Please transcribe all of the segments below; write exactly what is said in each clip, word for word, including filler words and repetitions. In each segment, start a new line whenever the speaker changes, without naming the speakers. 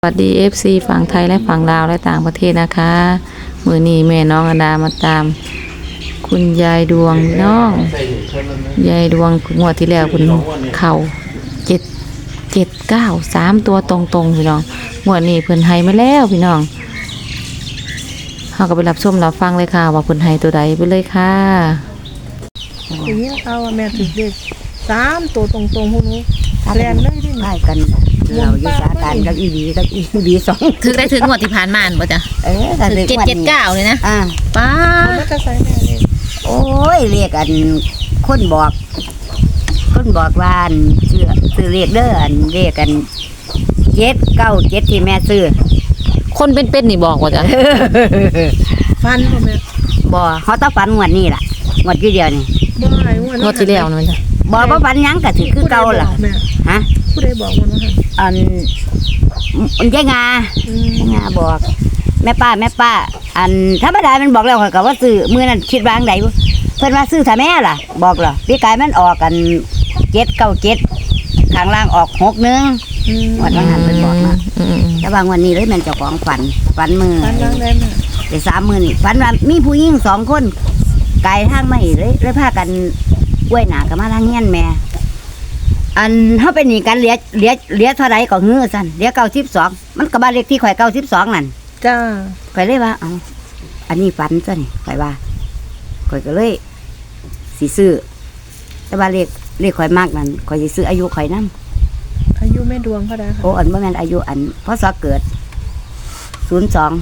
สวัสดี เอฟ ซี ฝั่งไทยและฝั่งลาวและต่างประเทศนะคะมือนี้แม่น้องอดามาตาม คุณยายดวงน้องยายดวงงวดที่แล้วคุณเข่าเจ็ดเจ็ดเก้าสามตัวตรงๆพี่น้องงวดนี้เพิ่นให้มาแล้วพี่น้องเราก็ไปรับชมรับฟังเลยค่ะว่าเพิ่นให้ตัวใดไปเลยค่ะ
อย่างนี้เอาแม่ถือเด็กสามตัวตรงๆพวกนี้แลนเลยที่นี่
ไล่กันเราอยู่สาการกับอีดีกับอีดีสอง
ถึงได้ถึงงวดที่ผ่านมาบ่จ้ะ
เออถ้า
ถึงเจ็ดเจ็ดเก้าเลยนะ
อ่า
ป้า
มันจะใส่แม่เลย
โอ้ยเรียกกันคนบอก คนบอกว่าอันชื่อซื้อเรียกเด้ออันเรียกกันเจ็ดเก้าเจ็ดที่แม่ซื้อ
คนเป็นๆนี่บอกว่าจ้ะ
ฟันพ่อแม่
บ่เขาต้องฝันงวดนี้ล่ะงวดที่เดียวนี่
บ่หายวัน
งวดที่แล้วนะมันจ้ะ
บ่บ่ฝันหยังก็ถือคือเก่าล่ะ
แม่
ฮะ
ผู้ใดบอกวันว่าหัน
อันอันยายงา
อืม
ยายงาบอก แม่ป้าแม่ป้า อันธรรมดามันบอกแล้วก็ว่าซื้อมื้อนั้นคิดว่าจั่งใดบ่เพิ่นว่าซื้อถ้าแม่ล่ะ บอกเหรอพี่กายมันออกกันเจ็ดเก้าเจ็ดข้างล่างออกหกหนึ่ง
อืม
วันนั้นเพิ่นบอกมา
อืม
แต่บางวันนี้เลยแม่นเจ้าของฝันฝันมือ
ฟันล้างได้แม่
ได้สามมื้อนี่ฝันว่ามีผู้หญิงสองคนไกลทางมาอีกเลยเลยพากันกล้วยหนากันมาทางเฮียนแม่ อันเฮาไปหนีกันเหลือเหลือเหลือเท่าใดก็ฮื้อซั่นเหลือเก้าสิบสองมันก็บ้านเลขที่ข่อยเก้าสิบสองนั่น
จ้า
ข่อยเลยว่าเอ้าอันนี้ฝันซะนี่ข่อยว่าข่อยก็เลยสิซื้อแต่ว่าเลขเลขข่อยมากนั่นข่อยสิซื้ออายุข่อยนำ
อายุแม่ดวงเขาได้ค่ะ
โอ้อันบ่แม่นอายุอันพศเกิดศูนย์สอง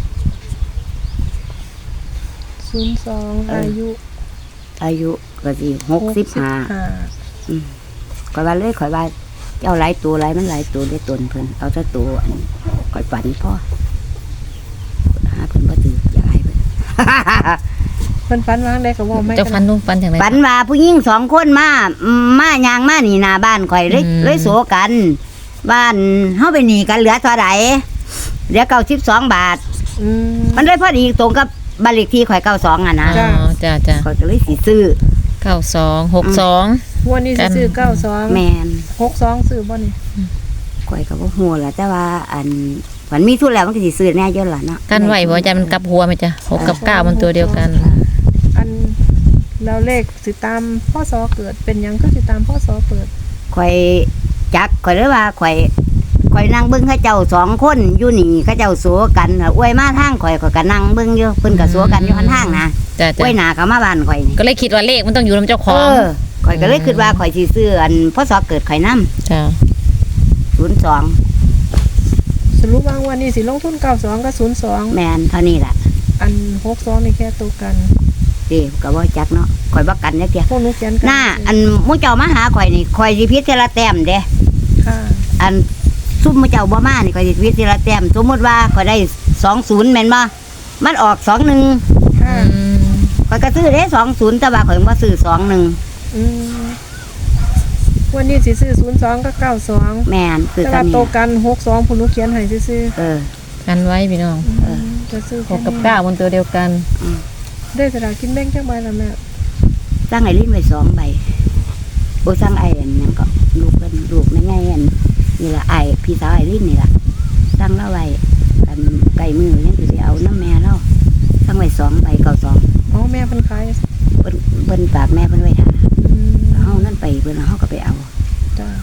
ศูนย์สองอายุ
อายุก็สิหกสิบห้าข่อยว่าเลยข่อยว่าเจ้าหลายตัวหลายมันหลายตัวได้ตนเพิ่นเอาแต่ตัวอันข่อยฝันพ่อหาเพิ่นบ่ถืออย่าอายเพิ่น
เพิ่นฟันล้างได้ก็บอกไม่
เจ้าฟันนุ่งฟันอย่างไร
ฝันว่าผู้หญิงสองคนมาอืมมายางมานี่หน้าบ้านข่อยเลย
อืม
เลยโสกัน บ้านเฮาไปหนีกันเหลือเท่าใดเหลือเก้าสิบสองบาท
อืม
มันเลยพอดีตรงกับบ้านเลขที่ข่อยเก้าสองอ่ะนะ
อ๋อจ้าจ้า
ข่อยก็เลยสิซื้อ
เก้าสองหกสอง
วันนี้สิซื้อเก้าสอง
แม่น
หกสองซื้อบ่นี่
ข่อยก็บ่ฮู้ล่ะแต่ว่าอันมันมีทุนแล้วมันก็สิซื้อแน่เยอะล่ะเนาะ
กันไหวบ่จ้ะมันกลับหัวไหมจ้ะหกกับเก้ามันตัวเดียวกัน
อันเราเลขสิตามพ่อสอเกิดเป็นหยังก็สิตามพ่อสอเกิด
ข่อยจักข่อยเลยว่าข่อยข่อยนั่งเบิ่งเขาเจ้าสองคนอยู่นี่เขาเจ้าสัวกันอวยมาทางข่อยข่อยก็นั่งเบิ่งอยู่เพิ่นก็สัวกันอยู่ข้างทางนะ
จ้า
อ
จ้า
วยหน้าเขามาบ้านข่อยนี่
ก็เลยคิดว่าเลขมันต้องอยู่ในเจ้าข
เอ
อง
อข่อยก็เลยคิดว่าข่อยสิซื้ออันพศเกิดข่อยนำ
จ้า
ศูนย์สอง
สรุปว่าวันนี้สิลงทุนเก้าสองกับศูนย์สอง
แม่นเท่านี้ล่ะ
อันหกสองนี่แค่ตัวกัน
เด้ก็บ่จักเนาะข่อยบ่กันจักเที่ย
พวกหนูเขียนกั
หน้าอันหมู่เจ้ามาหาข่อยนี่ข่อยสิพิจเทอละแต้มเด้
ค่ะ
อันซุ่มหมู่เจ้าบ่มานี่ข่อยสิพิจเทอละแต้มสมมุติว่าข่อยได้สองศูนย์แม่นบ่มันออกสองหนึ่ง
ค่ะ
ข่อยก็ซื้อได้สองศูนย์แต่ว่าข่อยบ่ซื้อสองหนึ่ง
อืมวันนี้สิซื้อศูนย์สองกับเก้าสอง
แม่นคือ
แต่
กั
ว่าน โตวกันหกสองพวกหนูเขียนให้ซื้อ
เออ
กันไว้พี่น้อง
ๆอืมจะซื้อ
หกกับเก้ามันตัวเดียวกัน
ได้สลากกินแบ่งจักใบละแม่
สร้างไอ้ลิ้นไว้สองใบโอ้สร้างไอ้อันนั้นก็ลูกเป็นลูกในไงอันนี่ละไอ้พี่สาวไอ้ลิ้นนี่ละสร้างเล่าไว้กันไก่มือนี่คือสิเอาน้ำแม่เล่าสร้างไว้สองใบเก่าสอง
อ๋อแม่เพิ่นขาย
เพิ่นเพิ่นฝากแม่เพิ่นไว้ท่า
อืม
เฮานั่นไปเพิ่นเฮาก็ไปเอา
จ้า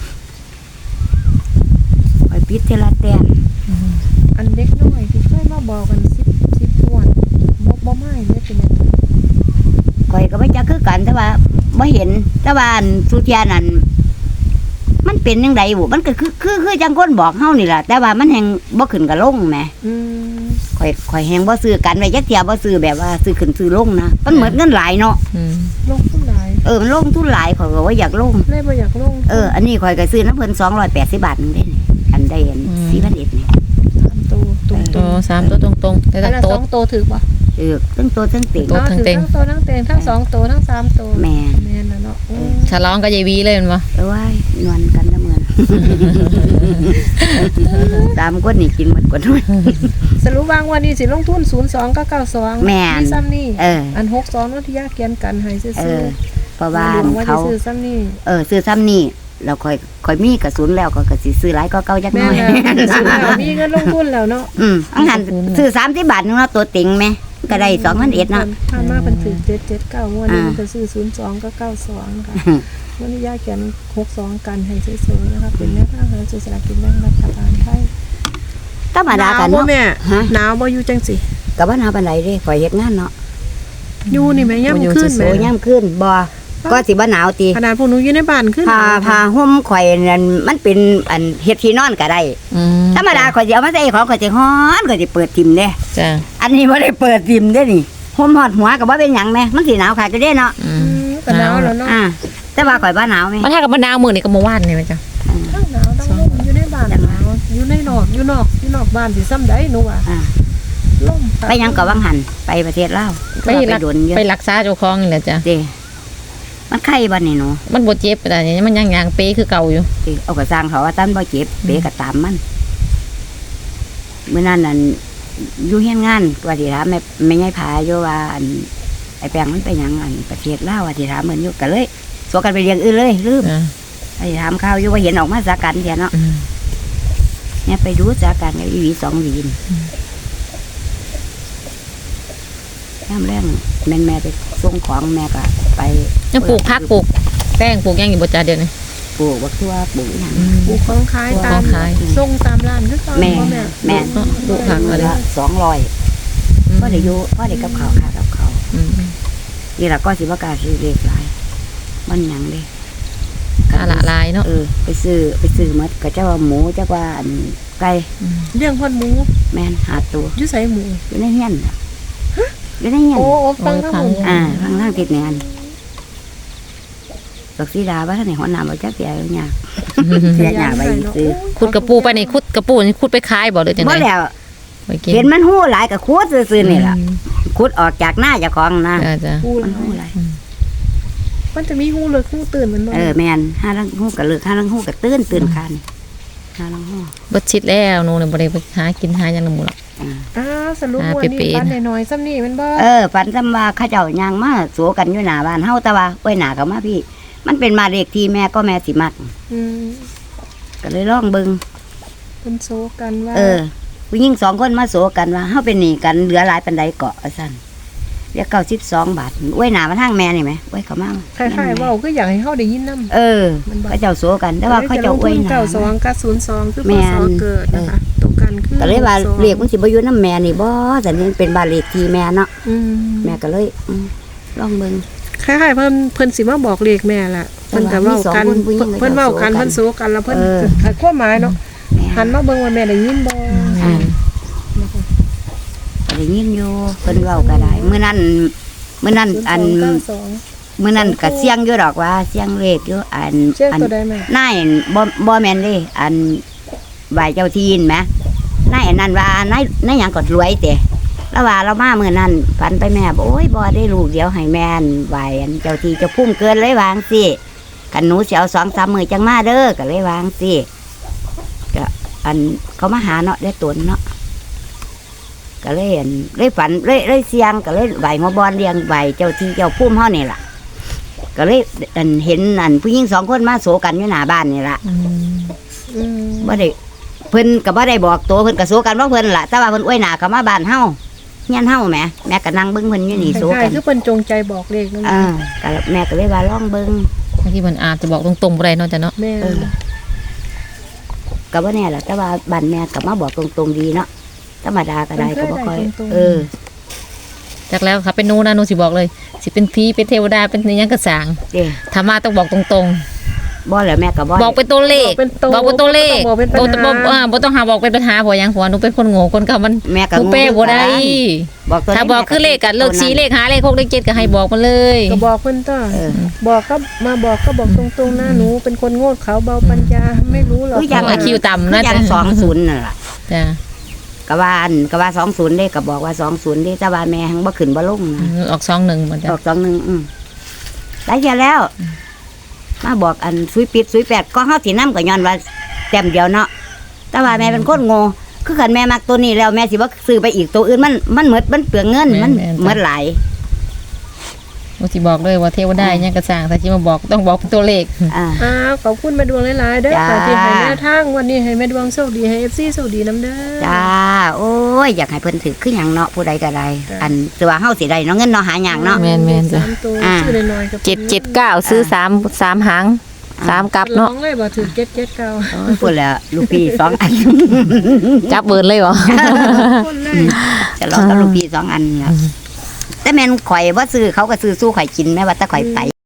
ไปปิดเทละแต้ม
อันเด็กน้อยที่เคยมาบอกกันสิบสิบทวนบ่บ่ไม่เลยเป็นยังไง
ข่อยก็บ่จักคือกันแต่ว่าบ่เห็นแต่ว่าอันสุเทียนั่นมันเป็นจังไดบุมันก็คือคือคือจังคนบอกเฮานี่ล่ะแต่ว่ามันแฮงบ่ขึ้นกับลงแหม
อืม
ข่อยข่อยแฮงบ่ซื้อกันไว้จักเที่ยบ่ซื้อแบบว่าซื้อขึ้นซื้อลงนะมันเหมือนเงินหลายเนาะ
อืม
ลงทุนหลาย
เออมันลงทุนหลายข่อยก็ว่าอยากลง
เลยบ่อยากลง
เอออันนี้ข่อยก็ซื้อน้ำเพิ่นสองร้อยแปดสิบบาทนึงเด้นี่อันได้อันสี่พันเอ็ดนี่
สามตัวตรง
โตสามตัวตรงๆแต่
อัน
ละ
ละ
โต
สองตัวถือป่ะ
เออทั้งตัวทั้งติ่ง
ตัว ทั้งเต็ง
ทั้งตัวทั้งเต็งทั้งสองตัวทั้งสามตัว
แม่น
แม่นน่ะเนาะอืม
ฉลองกับยายวีเลยมันวะ
เอ้ยนวลกันละเมือน ตามคนนี่กินหมดกว่าน้อย
สรุปวางวันนี้สิลงทุนศูนย์สองกับเก้าสอง
แม่น
มีซ้ำนี่
เออ
อันหกสองนัทยาเกียนกันให้ซื้อ
เอ
ซื้อ
อเพราะว่า
หลวงว่า
เขา
สิซื้อซ้ำนี่
เออซื้อซ้ำนี่เราค่อยค่อยมีกระสุนแล้วก็ก็สิซื้อหลายก็เก่าจักห
แม่
น่อย
แล้วซื้อแล้วมีเงินลงทุนแล้วเนาะ
อืมอังหันซื้อสามสิบบาทนึงเนาะตัวติ่งแม่ก็ได้สองพันเอ็ดเนาะ
ผ่านมาเป็นถึงเจ็ดเจ็ดเก้างวดนี้
อ่า
มันก็ซื้อศูนย์สองก็เก้าสองค่ะวันนี้ยาแกนหกสองกันให้สวยๆนะคะเป็นแม่ทางหาซื้อสลากกินแบ่งรัฐบาลไทย
ธรรมดากัน
หนาวบ่
เนาะ
แม่
ฮะ
หนาวบ่อยู่จังสิ
ก็บ่หนาวปานใดเด้ข่อยเฮ็ดงานเนาะ
อยู่นี่แม่ย่ำขึ้น
โซ
แม่
ยามขึ้นบ่ก็สิบ่หนาวติ
ขนาดพวกหนูอยู่ในบ้านขึ้น
ผ้าผ้าห่มข่อยนั่นมันเป็นอันเฮ็ดที่นอนก็ได้
อืม
ธรรมดาข่อยสิเอามาใส่ของข่อยสิฮ้อนข่อยสิเปิดทิ่มเด้
จ้ะ
อันนี้บ่ได้เปิดทิ่มเด้นี่ห่มฮอดหัวก็บ่เป็นหยังแม่มันสิหนาวคักอยู่เด้เนาะ
อื
อื
ม
มก็หนาวแล้วเนาะ
อ่าแต่ว่าข่อยบ่หนาวแม่
มันถ้ากับมะนาวมื้อนี่ก็เมื่อวานนี่แม่จ้ะ
ทั้งหนาวทั้งลมอยู่ในบ้านหนาวอยู่ในนอกอยู่นอกอยู่นอกบ้านสิซ้ำใดหนูอ่ะ
อ่า
ลม
ไปหยังก็วังหันไปประเทศลาว
ไป
ไป
รัก
โดนเยอะ
ไปรักษาเจ้าของนี่แหละจ้ะ
เด้มันไข้บ่นี่หนู
มันบ่เจ็บแต่เนี่ยมันยังยางเปคือเก่าอยู่
เด้เอาก็สร้างเขาว่าตันบ่เจ็บเปก็ตามมันมื้อนั้นนั่นอยู่เฮียนงานว่าสิถามแม่แม่ยายผาอยู่ว่าอันไอ้แปลงมันไปหยังอันประเทศลาวว่าสิถามเหมือนอยู่ก็เลยสวกันไปเรียงอื่นเลยลืม
จ้ะ
ไอ้ถามข่าวอยู่ว่าเห็นออกมาสากันเดียวเนาะ
อืม
เนี่ยไปดูสากันกับอีหวีสองหวีนย่ำแรงแม่นแม่ไปส่งของแม่ก็ไป
ยังปลูกผักปลูกแป้งปลูกหยังอยู่บ่จ้ะเดี๋ยวนี้
ปลูกบักทั่วปลูกอย่าง
อืม
ปลูกของขายตาม
ของขาย
ส่งตามร้านคือเก่า
แม่
บ่แม่
แม่
เนาะปลูกผักอะไร
ละสองร้อยก็ได้อยู่ก็ได้กับเขาวค่ะกับเขาว
อืม
นี่แหละก็สิว่ากล้าซื้อเลขหลายมันหยังเลย
กะละลายเนาะ
เออ ไปซื้อไปซื้อหมดก็เจ้าว่าหมูเจ้าว่าอันไก่
ม
เลี้ยงพ่นหมู
แม่นหาตัว
อยู่ใส่หมู
อยู่ในเฮียนน่ะอยู่ในเฮียน
โอ้โอ้ฟังทั้งหมด
อ่าข้างล่างติดแนนดอกสีดาว่าท่านไหนหัวหน้าบ่จักเสียอยู่เนี่ยเสียหน้าไปซื้อ
ขุดกระปูไปนี่ขุดกระปูนี่ขุดไปขายบ่หรือจัง
บ่
ได๋
แล้ว
ไปกิน
เห็นมันหู้หลายก็คูดซื่อๆนี่ล่ะคูดออกจากหน้าเจ้าของนะ
จ้ะจ้ะ
ปู
มันหู้หลาย
มันจะมีหูเลิกหูตื่นมันบ่
เออแม่นห้าลังหู้ก็เลิกห้าลังหู้ก็ตื่นตื่นคันห้าลังหู้
เบิดชิดแล้วหนูนี่บ่ได้ไปหากินหาหยังนำหมู่หรอก
อ่า
อ้าวสรุป
อ่า
วันนี้
เป๊ะๆ
ปันน้อยๆซ้ำนี่มันบ่
เออฝันซำว่าเขาเจ้าย่างมาโสกันอยู่หน้าบ้านเฮาแต่ว่าโอ้ยหน้าก็มาพี่ มันเป็นมาเลขที่แม่ก็แม่สิมัก
อืม
ก็เลยลองเบิ่ง
เพิ่นโซกันว่า
เออผู้หญิงสองคนมาโสกันว่าเฮาเป็นหนี้กันเหลือหลายปานใดเกาะว่าซั่นเรียกเก้าสิบสองบาทโอ้ยหน้ามาทางแม่นี่แหมโอ้ยเขามา
คล้ายๆเว้าคืออยากให้เฮาได้ยินนำ
เออเขาเจ้าโสกัน แต่ว่าเขาเจ้าอวยหน้า
เก้าสองกับศูนย์สองคือพ
แม่น
ศเกิดนะคะตรงกันคือ
ก็เลยว่า
หสอง
เรียกมันสิบ่อยู่น้ำแม่นี่บ่แต่นี่เป็นบ้านเลขที่แม่เนาะ
อืม
แม่ก็เลยอืมลองเบิ่ง
คล้ายๆเพิ่นเพิ่นสิมาบอกเลขแม่ล่ะเพิ่นก็เว้ากัน
แต่ว่ามีสองคนผู้หญิง
เพิ่นเว้ากัน
ก็
เพิ่น
จะ
โซกันแล้วเพิ่น
เออ
ให้ความหมายเนาะ
แม่
หันมาเบิ่งว่าแม่ได้ยินบ่
อ่าก็ได้ยินอยู่เพิ่นเว้าก็ได้มื้อนั้นมื้อนั้นอัน
ศูย์สง
มื้อนั้นก็เสียงอยู่ดอกว่าเสียงเลขอยู่อัน
เก้าสองเชื่อ
อัน
ตัวใดแม่
นายบ่บ่แม่นเด้อันไหวเจ้าที่นแหมนายอันนั้นว่านายนายหยังก็รวยแต่แล้วว่าเรามามื้อนั้นฝันไปแม่บอกโอ้ยบ่ได้ลูกเดียวให้แม่นไหวอันเจ้าที่เจ้าพุ่มเกินเลยวาจั่งสิกันหนูสิเอาสองสามมื้อจังมาเด้อก็เลยวาจั่งสิก็อันเขามาหาเนาะได้ตนเนาะก็เลยอันเลยฝันเลยเลยเสียงก็เลยไหวมาบอนเลี้ยงไหวเจ้าที่เจ้าพุ่มเฮานี่ล่ะ ก็เลยอันเห็นอันผู้หญิงสองคนมาโศกันอยู่หน้าบ้านนี่ล่ะ
อืม
อืม
บ่ได้เพิ่นก็บ่ได้บอกตัวเพิ่นก็โศกันว่าเพิ่นล่ะแต่ว่าเพิ่นอวยหน้าก็มาบ้านเฮาเฮียนเฮาแหมแม่ก็นั่งเบิ่งเพิ่นอยู่นี่โศ
คล้า
กั
ย
น
ๆคือเพิ่นจงใจบอกเลขนั่น
อ่าก็แม่ก็เลยว่าลองเบิ่ง
บางทีมันอาจจะบอกตรงๆบ่ได้เนาะจ้ะเนาะ
แม่
เออก็บ่แน่ล่ะแต่ว่าบ้านแม่ก็มาบอกตรงๆดีเนาะธรรมดาก็ได้ก็บ่ค่อยเออ
จากแล้วครับเป็นหนูนะหนูสิบอกเลย สิเป็นผีเป็นเทวดาเป็นอิหยังก็สร้าง
เด้
ถ้ามาต้องบอกตรง
บ่แล้วแม่ก็บ่
ๆ บอกเป็นตัวเลข
เป็นโต
บอกเป็นตัวเลข
บอกเป็นปัญ
บ่บ่
หา
อ่าบ่ต้องหาบอกเป็นปัญหาเพราะหยังเพราะว่าหนูเป็นคนโง่คนเก่ามัน
แม่ก็
หนูแป้บ่ได้
บอกตัว
ถ้าบอกคือเลขกันเลขสี่เลขห้าเลขหกเลขเจ็ดก็ให้บอกมาเลย
ก็บอกเพิ่นต้อ
เออ
บอกก็มาบอกก็บอกตรงๆนะหนูเป็นคนโง่เขาเบาปัญญาไม่รู้หรอก
คือจัง
ไอคิวต่ำนะ
คือจัง
จ๊ะ
สองศูนย์นั่นล่ะ
จ้ะ
ก็ว่าอันก็ว่าสองศูนย์เด้ก็บอกว่าสองศูนย์เด้แต่ว่าแม่หังบ่ขึ้นบ่ลง
อื
นะ
มออกสองหนึ่งหมดจ้ะ
ออกสองหนึ่งอืมได้แค่แล้ว มาบอกอันซุยปิดซุยแปดก็เฮาสินำก็ย้อนว่าแต้มเดียวเนาะแต่ว่าแม่เป็นคนโง่คือคันแม่มักตัวนี้แล้วแม่สิบ่ซื้อไปอีกตัวอื่นมันมันหมดมันเปลืองเงินมันหมดหลาย
บ่สิบอกเลยว่าเทวดาอิหยังก็สร้างถ้าสิมาบอกต้องบอกเป็นตัวเลข
อ่า
อ้าวขอบคุณแม่ดวงหลายๆเด้อ
จ้า
ค่ะที่ให้แนวทางวันนี้ให้แม่ดวงโชคดีให้ เอฟ ซี โชคดีนํเด้อ
จ้าโอ้ยอยากให้เพิ่นถือคือหยังเนาะผู้ใดก็ได้อันแต่ว่าเฮาสิได้เนาะเงินเนาะหาหยังเนาะ
แม่นๆจ้ะ
สามตัว
อ่า
ชื่อน้อยๆกับ
เจ็ดเจ็ดเก้าซื้อสามสามหางสามกลับ
ร้อ
เนาะ
งเลยบ่ถือเจ็ดเจ็ดเก้า
โอ้ยพูดแล้วลูกพี่สองอัน
จับเบิร์นเลยเหรอ
คนเลย
จะลองกับลูกพี่สองอันครับแต่แม่นข่อยบ่ซื้อเขาก็ซื้อสู้ข่อยกินแม่ว่าแต่ข่อยไป